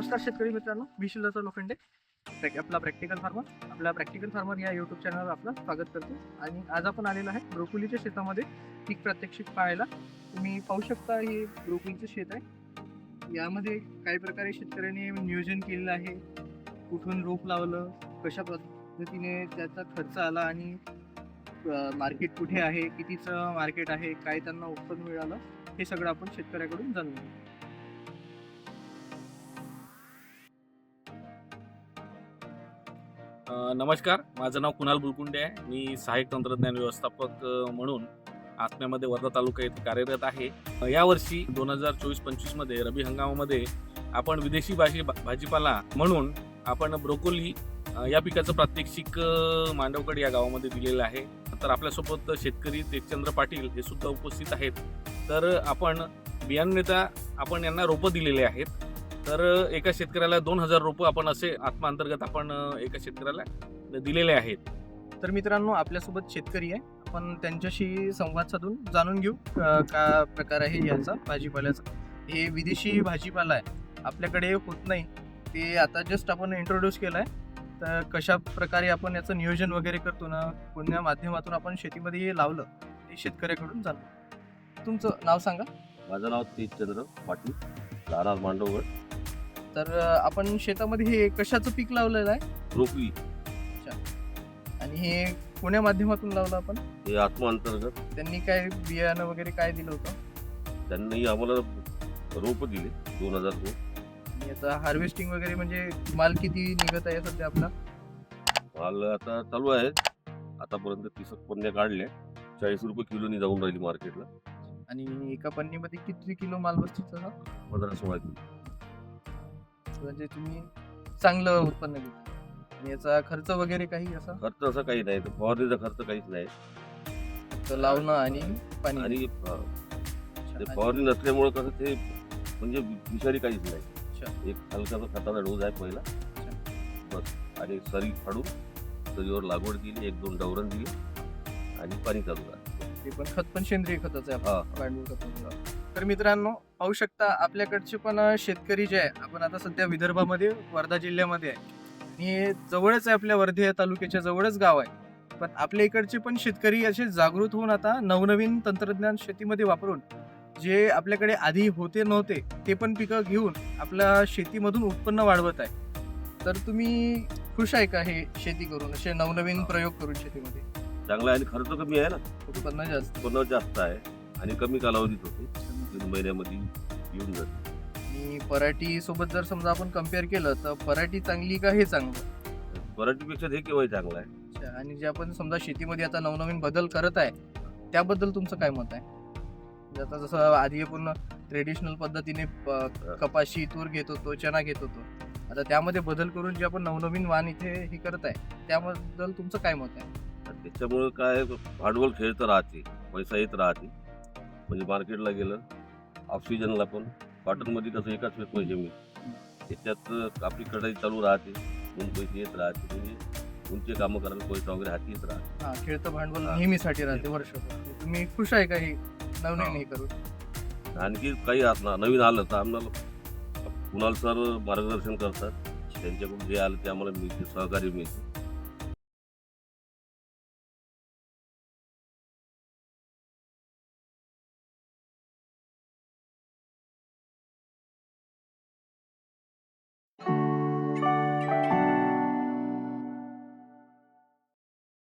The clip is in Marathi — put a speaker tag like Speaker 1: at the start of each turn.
Speaker 1: नमस्कार शेतकरी मित्रांनो, मी शिल्लचा लोखंडे आपला प्रॅक्टिकल फार्मर. आपल्या प्रॅक्टिकल फार्मर या यूट्यूब चॅनलवर आपलं स्वागत करतो. आणि आज आपण आलेलो आहे ब्रोकोलीच्या शेतामध्ये पीक प्रात्यक्षिक पाहायला. तुम्ही पाहू शकता हे ब्रोकोलीचं शेत आहे. यामध्ये काही प्रकारे शेतकऱ्यांनी नियोजन केलेलं आहे. कुठून रोप लावलं, कशा पद्धतीने त्याचा खर्च आला आणि मार्केट कुठे आहे, कितीचं मार्केट आहे, काय त्यांना उत्पन्न मिळालं, हे सगळं आपण शेतकऱ्याकडून जाणून घेऊ.
Speaker 2: नमस्कार, माझं नाव कुणाल बुलकुंडे आहे. मी सहाय्यक तंत्रज्ञान व्यवस्थापक म्हणून आत्म्यामध्ये वर्धा तालुका येथे कार्यरत आहे. यावर्षी 2024-25 मध्ये रब्बी हंगामामध्ये आपण विदेशी भाजीपाला म्हणून आपण ब्रोकोली या पिकाचं प्रात्यक्षिक मांडवगड या गावामध्ये दिलेलं आहे. तर आपल्यासोबत शेतकरी तेजचंद्र पाटील हे सुद्धा उपस्थित आहेत. तर आपण बियाणेता आपण यांना रोपं दिलेले आहेत. तर एका शेतकऱ्याला 2000 रोपं आपण असे आत्मा अंतर्गत आपण एका शेतकऱ्याला दिलेले आहेत.
Speaker 1: तर मित्रांनो, आपल्यासोबत शेतकरी आहे. आपण त्यांच्याशी संवाद साधून जाणून घेऊ का प्रकार आहे याचा भाजीपाल्याचा. हे विदेशी भाजीपाला आहे, आपल्याकडे होत नाही. ते आता जस्ट आपण इंट्रोड्यूस केलं आहे. तर कशा प्रकारे आपण याचं नियोजन वगैरे करतो ना, कोणत्या माध्यमातून आपण शेतीमध्ये हे लावलं, ते शेतकऱ्याकडून जाणू. तुमचं नाव सांगा.
Speaker 3: माझं नाव तेजचंद्र पाटील, राहणार मांडवगड.
Speaker 1: तर आपण शेतामध्ये हे कशाचं पीक लावलेलं आहे
Speaker 3: ब्रोकोली.
Speaker 1: आणि हे कोण्या माध्यमातून लावलं आपण?
Speaker 3: हे आत्मा अंतर्गत
Speaker 1: त्यांनी काय बियाणं वगैरे काय दिलं होतं?
Speaker 3: त्यांनी आम्हाला रोप दिले 2000 रोप.
Speaker 1: आणि याचा हार्वेस्टिंग वगैरे म्हणजे माल किती निघत आहे सध्या आपला?
Speaker 3: माल आता चालू आहे. आतापर्यंत 30 पन्न्या काढल्या. 40 रुपये किलोनी जाऊन राहिली मार्केटला.
Speaker 1: आणि एका पन्नीमध्ये किती किलो माल बसतो?
Speaker 3: 15-16 किलो.
Speaker 1: म्हणजे तुम्ही चांगलं उत्पन्न घेता. आणि याचा खर्च वगैरे काही असा?
Speaker 3: खर्च असं काही नाही, फवारणीचा खर्च काहीच नाही.
Speaker 1: तर लावणं आणि पाणी.
Speaker 3: आणि ते फवारणी नसल्यामुळे कसं ते म्हणजे विषारी काहीच नाही. एक हलकाचा खताचा डोस आहे पहिला बस. आणि सरी फाडून सरीवर लागवड केली, 1-2 डवरण दिली आणि पाणी चालू आहे.
Speaker 1: ते पण खत पण सेंद्रिय खताचं आहे.
Speaker 3: हा.
Speaker 1: गांडूळ खत. तर मित्रांनो, पाहू शकता आपल्याकडचे पण शेतकरी जे आहे, आपण आता सध्या विदर्भामध्ये वर्धा जिल्ह्यामध्ये आहे. आणि जवळच आहे, आपल्या वर्धा तालुक्याच्या जवळच गाव आहे. पण आपल्या इकडचे पण शेतकरी असे जागृत होऊन आता नवनवीन तंत्रज्ञान शेतीमध्ये वापरून जे आपल्याकडे आधी होते नव्हते ते पण पिकं घेऊन आपल्या शेतीमधून उत्पन्न वाढवत आहे. तर तुम्ही खुश आहे का हे शेती करून, असे नवनवीन प्रयोग करून शेतीमध्ये?
Speaker 3: चांगला आहे आणि खर्च कमी आहे ना.
Speaker 1: उत्पन्न जास्त.
Speaker 3: उत्पन्न जास्त आहे आणि कमी कालावधीत होते. 3 महिन्यामध्ये येऊन जाते.
Speaker 1: आणि पराठी सोबत जर समजा आपण कम्पेअर केलं तर पराठी चांगली का हे चांगलं?
Speaker 3: पराठीपेक्षा हे केव्हा चांगलं आहे.
Speaker 1: अच्छा. आणि जे आपण समजा शेतीमध्ये आता नवनवीन बदल करत आहे, त्याबद्दल तुमचं काय मत आहे? म्हणजे आता जसं आधी आपण ट्रेडिशनल पद्धतीने कपाशी, तूर घेत होतो, चना घेत होतो. आता त्यामध्ये बदल करून जे आपण नवनवीन वाण इथे हे करत आहे, त्याबद्दल तुमचं काय मत आहे?
Speaker 3: त्याच्यामुळे काय भांडवल खेळतं राहते, पैसा येत राहते. म्हणजे मार्केटला गेलं ऑफ सीजनला पण कॉटनमध्ये कसं एकाच वेळेस पैसे मिळते. त्याच्यात आपली कढाई चालू राहते, दोन पैसे येत राहते. म्हणजे तुमचे कामं करायला पैसा वगैरे हाती येत राहते.
Speaker 1: हा, खेळतं भांडवल नेहमीसाठी राहते वर्षभर. तुम्ही खुश आहे का हे नवनवीन हे करून?
Speaker 3: आणखी काही नवीन आलं तर आम्हाला कुणाल सर मार्गदर्शन करतात. त्यांच्याकडून जे आलं ते आम्हाला मिळते, सहकार्य मिळते.